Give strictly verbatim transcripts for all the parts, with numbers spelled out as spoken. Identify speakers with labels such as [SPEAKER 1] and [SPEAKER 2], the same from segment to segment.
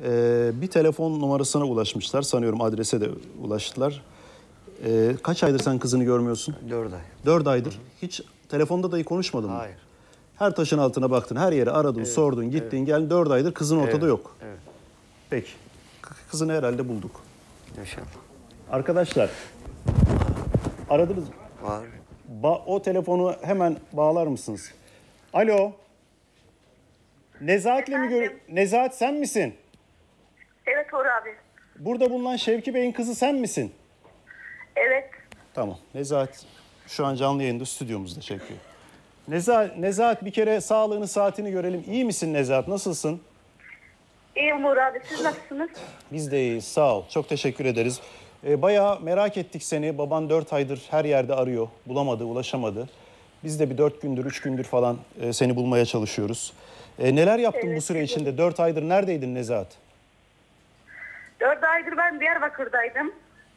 [SPEAKER 1] Ee, bir telefon numarasına ulaşmışlar. Sanıyorum adrese de ulaştılar. Ee, kaç aydır sen kızını görmüyorsun?
[SPEAKER 2] Dört ay.
[SPEAKER 1] Dört aydır. Hı hı. Hiç telefonda dahi konuşmadın mı?
[SPEAKER 2] Hayır.
[SPEAKER 1] Her taşın altına baktın, her yere aradın, evet, sordun, gittin, evet, geldin. Dört aydır kızın ortada
[SPEAKER 2] evet,
[SPEAKER 1] yok.
[SPEAKER 2] Evet.
[SPEAKER 1] Peki. Kızını herhalde bulduk.
[SPEAKER 2] İnşallah.
[SPEAKER 1] Arkadaşlar, aradınız mı?
[SPEAKER 2] Var.
[SPEAKER 1] Ba o telefonu hemen bağlar mısınız? Alo. Nezahat'le mi gör... Nezahat sen misin?
[SPEAKER 3] Evet Uğur abi.
[SPEAKER 1] Burada bulunan Şevki Bey'in kızı sen misin?
[SPEAKER 3] Evet.
[SPEAKER 1] Tamam. Nezahat şu an canlı yayında stüdyomuzda Şevki. Nezahat, Nezahat bir kere sağlığını, saatini görelim. İyi misin Nezahat? Nasılsın?
[SPEAKER 3] İyiyim Uğur abi. Siz nasılsınız?
[SPEAKER 1] Biz de iyiyiz. Sağ ol. Çok teşekkür ederiz. Ee, bayağı merak ettik seni. Baban dört aydır her yerde arıyor. Bulamadı, ulaşamadı. Biz de bir dört gündür, üç gündür falan e, seni bulmaya çalışıyoruz. E, neler yaptın
[SPEAKER 3] evet,
[SPEAKER 1] bu süre
[SPEAKER 3] evet.
[SPEAKER 1] içinde? Dört aydır neredeydin Nezahat?
[SPEAKER 3] Dört aydır ben Diyarbakır'daydım.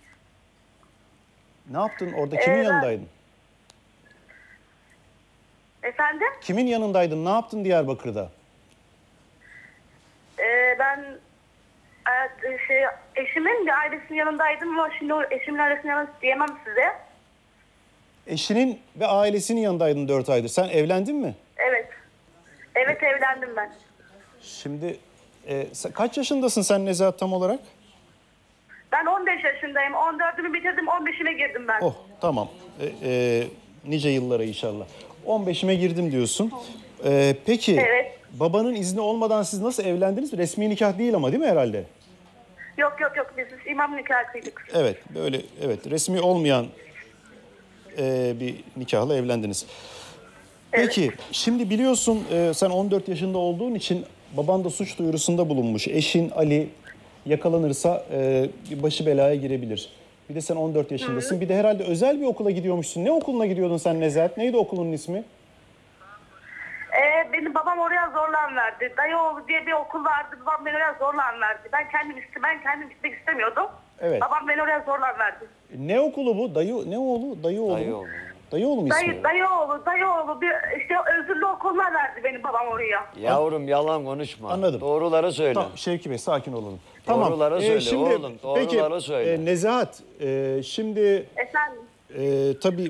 [SPEAKER 1] Ne yaptın orada? Kimin
[SPEAKER 3] Ee, ben...
[SPEAKER 1] yanındaydın?
[SPEAKER 3] Efendim?
[SPEAKER 1] Kimin yanındaydın? Ne yaptın Diyarbakır'da?
[SPEAKER 3] Ee, ben e, şey, eşimin bir ailesinin yanındaydım ama şimdi o eşimin ailesinin yanında diyemem size.
[SPEAKER 1] Eşinin ve ailesinin yanındaydın dört aydır. Sen evlendin mi?
[SPEAKER 3] Evet. Evet evlendim ben.
[SPEAKER 1] Şimdi e, sen, kaç yaşındasın sen Nezahat tam olarak?
[SPEAKER 3] Ben on beş yaşındayım. on dördümü bitirdim, on beşime girdim ben.
[SPEAKER 1] Oh tamam. E, e, nice yıllara inşallah. on beşime girdim diyorsun. E, peki
[SPEAKER 3] evet.
[SPEAKER 1] Babanın izni olmadan siz nasıl evlendiniz? Resmi nikah değil ama değil mi herhalde?
[SPEAKER 3] Yok yok yok biz imam nikahı kıydık.
[SPEAKER 1] Evet böyle evet resmi olmayan e, bir nikahla evlendiniz.
[SPEAKER 3] Evet.
[SPEAKER 1] Peki şimdi biliyorsun e, sen on dört yaşında olduğun için baban da suç duyurusunda bulunmuş. Eşin Ali yakalanırsa e, başı belaya girebilir. Bir de sen on dört yaşındasın. Hı. Bir de herhalde özel bir okula gidiyormuşsun. Ne okuluna gidiyordun sen Nezahat? Neydi okulun ismi?
[SPEAKER 3] Ee, benim babam oraya zorlan verdi. Dayıoğlu diye bir okul vardı. Babam beni oraya zorlan verdi. Ben kendim iste, ben kendim gitmek istemiyordum.
[SPEAKER 1] Evet.
[SPEAKER 3] Babam beni oraya zorlan verdi.
[SPEAKER 1] Ne okulu bu? Dayı ne oğlu? Dayıoğlu.
[SPEAKER 2] Dayıoğlu.
[SPEAKER 1] Dayıoğlu mu ismi?
[SPEAKER 3] Dayı, dayıoğlu, dayıoğlu bir işte özürlü okuluna verdi benim babam oraya.
[SPEAKER 2] Yavrum yalan konuşma.
[SPEAKER 1] Anladım.
[SPEAKER 2] Doğruları söyle.
[SPEAKER 1] Tamam Şevki Bey sakin olalım.
[SPEAKER 2] Doğruları
[SPEAKER 1] tamam.
[SPEAKER 2] söyle
[SPEAKER 1] şimdi,
[SPEAKER 2] oğlum. Doğruları
[SPEAKER 1] peki,
[SPEAKER 2] söyle.
[SPEAKER 1] E, Nezahat e, şimdi
[SPEAKER 3] Efendim?
[SPEAKER 1] e, tabii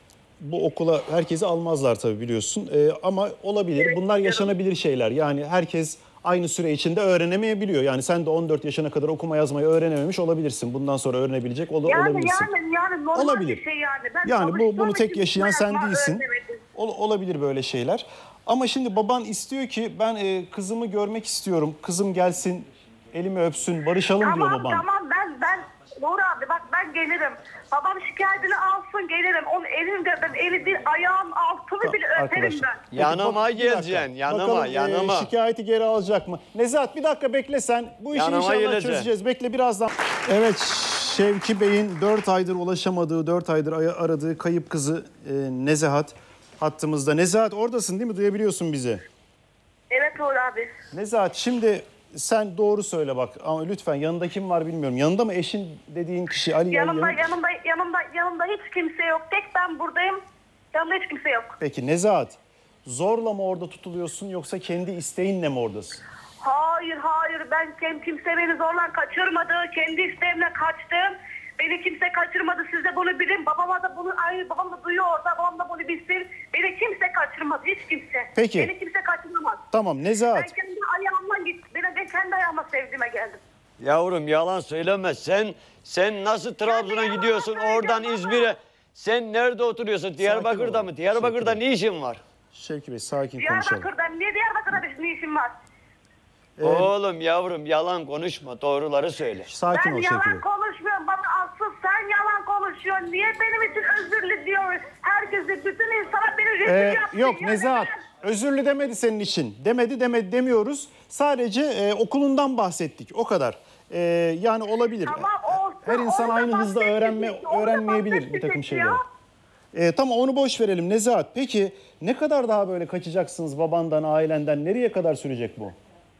[SPEAKER 1] bu okula herkesi almazlar tabii biliyorsun. E, ama olabilir.
[SPEAKER 3] Evet,
[SPEAKER 1] bunlar yaşanabilir şeyler. Yani herkes aynı süre içinde öğrenemeyebiliyor. Yani sen de on dört yaşına kadar okuma yazmayı öğrenememiş olabilirz. Bundan sonra öğrenebilecek ol
[SPEAKER 3] Yani
[SPEAKER 1] olabilirsin.
[SPEAKER 3] yani yani normal
[SPEAKER 1] Olabilir.
[SPEAKER 3] bir şey yani. Ben
[SPEAKER 1] Yani bu bunu tek
[SPEAKER 3] için
[SPEAKER 1] yaşayan
[SPEAKER 3] okuma
[SPEAKER 1] sen
[SPEAKER 3] yazma
[SPEAKER 1] değilsin.
[SPEAKER 3] öğrenemedim.
[SPEAKER 1] Ol, olabilir böyle şeyler. Ama şimdi baban istiyor ki ben e, kızımı görmek istiyorum. Kızım gelsin, elimi öpsün, barışalım
[SPEAKER 3] Tamam,
[SPEAKER 1] diyor baban.
[SPEAKER 3] Tamam ben ben Uğur abi bak ben gelirim. Babam şikayetini alsın gelirim. Onun elinde ben eli değil ayağın altını bile öperim
[SPEAKER 1] Arkadaşlar.
[SPEAKER 3] ben.
[SPEAKER 1] Peki,
[SPEAKER 2] Yanıma
[SPEAKER 1] bak- bir dakika.
[SPEAKER 2] geleceksin, yanıma,
[SPEAKER 1] Bakalım, e,
[SPEAKER 2] yanıma.
[SPEAKER 1] şikayeti geri alacak mı? Nezahat bir dakika bekle sen. Bu işi
[SPEAKER 2] Yanıma
[SPEAKER 1] inşallah
[SPEAKER 2] geleceksin.
[SPEAKER 1] çözeceğiz. Bekle birazdan. Evet Şevki Bey'in dört aydır ulaşamadığı, dört aydır aradığı kayıp kızı e, Nezahat hattımızda. Nezahat oradasın değil mi? Duyabiliyorsun bizi.
[SPEAKER 3] Evet Uğur abi.
[SPEAKER 1] Nezahat şimdi sen doğru söyle bak ama lütfen yanında kim var bilmiyorum. Yanında mı eşin dediğin kişi Ali?
[SPEAKER 3] Yanımda
[SPEAKER 1] Ali,
[SPEAKER 3] yanımda yanımda yanımda hiç kimse yok. Tek ben buradayım. Yanımda hiç kimse yok.
[SPEAKER 1] Peki Nezahat zorla mı orada tutuluyorsun yoksa kendi isteğinle mi oradasın?
[SPEAKER 3] Hayır hayır ben kim, kimse beni zorla kaçırmadı. Kendi isteğimle kaçtım. Beni kimse kaçırmadı. Siz de bunu bilin. Babama da bunu aynı babam da duyuyor orada. Babam da bunu bilsin. Beni kimse kaçırmadı. Hiç kimse.
[SPEAKER 1] Peki.
[SPEAKER 3] Beni kimse kaçırmaz.
[SPEAKER 1] Tamam Nezahat.
[SPEAKER 3] Ben kendi ayağımla gittim. Ben, ben kendi ayağıma sevdiğime geldim.
[SPEAKER 2] Yavrum yalan söyleme. Sen sen nasıl Trabzon'a
[SPEAKER 3] yalan
[SPEAKER 2] gidiyorsun
[SPEAKER 3] söyleyeceğim
[SPEAKER 2] oradan
[SPEAKER 3] ama.
[SPEAKER 2] İzmir'e? Sen nerede oturuyorsun? Diyarbakır'da
[SPEAKER 1] olun.
[SPEAKER 2] mı? Diyarbakır'da
[SPEAKER 1] Sakin
[SPEAKER 2] ne işin var?
[SPEAKER 1] Şevki Bey sakin konuşalım.
[SPEAKER 3] Diyarbakır'da niye Diyarbakır'da bir ne işim var?
[SPEAKER 1] Ee,
[SPEAKER 2] Oğlum yavrum yalan konuşma. Doğruları söyle.
[SPEAKER 1] Sakin
[SPEAKER 3] Ben
[SPEAKER 1] ol Şevki Bey.
[SPEAKER 3] yalan konuşmuyorum. Bana asıl sen yalan konuşuyorsun. Niye benim için özürlü diyor? Herkesi, bütün insana beni rezil
[SPEAKER 1] Ee,
[SPEAKER 3] yaptın.
[SPEAKER 1] yok
[SPEAKER 3] Ya
[SPEAKER 1] Nezahat
[SPEAKER 3] neden?
[SPEAKER 1] özürlü demedi senin için. Demedi demedi demiyoruz. Sadece e, okulundan bahsettik o kadar. E, yani olabilir.
[SPEAKER 3] Tamam, olsun.
[SPEAKER 1] Her insan
[SPEAKER 3] Onu da
[SPEAKER 1] aynı hızda
[SPEAKER 3] bahsettik
[SPEAKER 1] öğrenme
[SPEAKER 3] işte, onu da
[SPEAKER 1] öğrenmeyebilir bir
[SPEAKER 3] bahsettik
[SPEAKER 1] takım
[SPEAKER 3] ya.
[SPEAKER 1] şeyleri. E, tamam onu boş verelim Nezahat. Peki ne kadar daha böyle kaçacaksınız babandan, ailenden? Nereye kadar sürecek bu?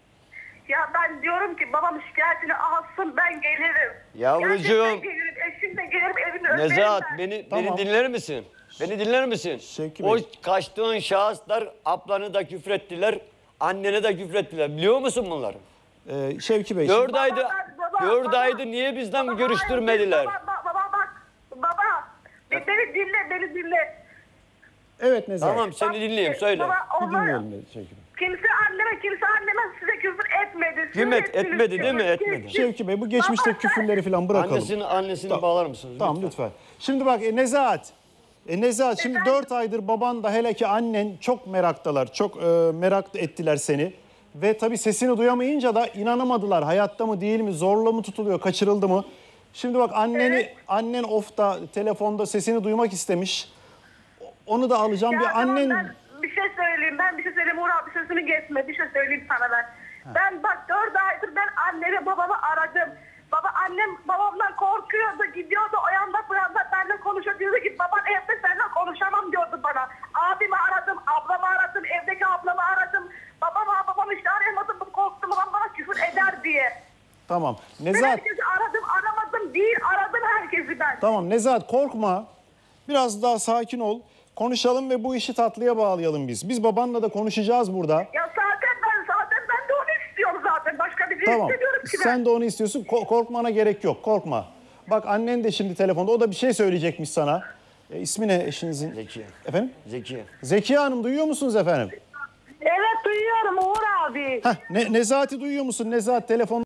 [SPEAKER 3] Ya ben diyorum ki babam şikayetini alsın ben gelirim.
[SPEAKER 2] Yavrucuğum.
[SPEAKER 3] Gerçekten gelirim. Eşim de gelirim evini öperim
[SPEAKER 2] Nezahat
[SPEAKER 3] ben.
[SPEAKER 2] beni
[SPEAKER 1] Tamam.
[SPEAKER 2] beni dinler misin? Beni dinler misin?
[SPEAKER 1] Şevki
[SPEAKER 2] O
[SPEAKER 1] Bey.
[SPEAKER 2] kaçtığın şahıslar ablanı da küfrettiler, annene de küfrettiler. Biliyor musun bunları?
[SPEAKER 1] Ee, Şevki Bey.
[SPEAKER 2] Dört
[SPEAKER 1] şimdi-
[SPEAKER 2] aydı,
[SPEAKER 3] Baba, baba,
[SPEAKER 2] dört
[SPEAKER 3] baba.
[SPEAKER 2] aydı niye bizden
[SPEAKER 3] Baba,
[SPEAKER 2] görüştürmediler?
[SPEAKER 3] Baba, baba, baba bak. Baba. Be- Beni dinle, beni dinle.
[SPEAKER 1] Evet Nezahat.
[SPEAKER 2] Tamam seni dinleyeyim söyle.
[SPEAKER 3] Baba,
[SPEAKER 1] Bir
[SPEAKER 3] onlar,
[SPEAKER 1] dinleyelim Şevki Bey.
[SPEAKER 3] kimse anneme, kimse anneme size küfür etmedi. Siz
[SPEAKER 2] Kim et-
[SPEAKER 3] ettiniz
[SPEAKER 2] etmedi değil mi?
[SPEAKER 3] küfür.
[SPEAKER 2] Etmedi.
[SPEAKER 1] Şevki Bey bu geçmişteki
[SPEAKER 3] Baba,
[SPEAKER 1] küfürleri falan bırakalım.
[SPEAKER 2] Annesini annesini
[SPEAKER 1] Tamam.
[SPEAKER 2] bağlar mısınız?
[SPEAKER 1] Tamam lütfen. Şimdi bak e, Nezahat. E, Nezahat şimdi
[SPEAKER 3] Efendim?
[SPEAKER 1] dört aydır baban da hele ki annen çok meraktalar. Çok e, merak ettiler seni. Ve tabii sesini duyamayınca da inanamadılar. Hayatta mı değil mi? Zorla mı tutuluyor? Kaçırıldı mı? Şimdi bak anneni
[SPEAKER 3] Evet.
[SPEAKER 1] annen ofta telefonda sesini duymak istemiş. Onu da alacağım.
[SPEAKER 3] Ya
[SPEAKER 1] bir
[SPEAKER 3] tamam,
[SPEAKER 1] annen
[SPEAKER 3] ben bir şey söyleyeyim. Ben bir şey söyleyeyim. Uğur abi sözünü geçme. Bir şey söyleyeyim sana ben. Ben bak dört aydır ben annemi babamı aradım. Baba annem babamdan korkuyordu. Gidiyordu o yanda bu yanda benimle konuşuyor. Diyordu ki baban evde seninle konuşamam diyordu bana. Abimi aradım, ablamı aradım, evdeki ablamı aradım. Babamı babamı işte arayamadım. Korktum babam bana küfür eder diye.
[SPEAKER 1] tamam.
[SPEAKER 3] Ben
[SPEAKER 1] Nezahat
[SPEAKER 3] herkesi aradım, aramadım değil. Aradım herkesi ben.
[SPEAKER 1] tamam Nezahat korkma. Biraz daha sakin ol. Konuşalım ve bu işi tatlıya bağlayalım biz. Biz babanla da konuşacağız burada.
[SPEAKER 3] Ya zaten ben zaten ben de onu istiyorum zaten. Başka bir şey
[SPEAKER 1] Tamam.
[SPEAKER 3] istemiyorum ki ben.
[SPEAKER 1] Sen de onu istiyorsun. Ko- korkmana gerek yok. Korkma. Bak annen de şimdi telefonda. O da bir şey söyleyecekmiş sana. E, ismi ne eşinizin?
[SPEAKER 2] Zekiye.
[SPEAKER 1] Efendim?
[SPEAKER 2] Zekiye.
[SPEAKER 1] Zekiye Hanım duyuyor musunuz efendim?
[SPEAKER 3] Evet duyuyorum Uğur abi.
[SPEAKER 1] Heh, ne, Nezahat'i duyuyor musun? Nezahat telefon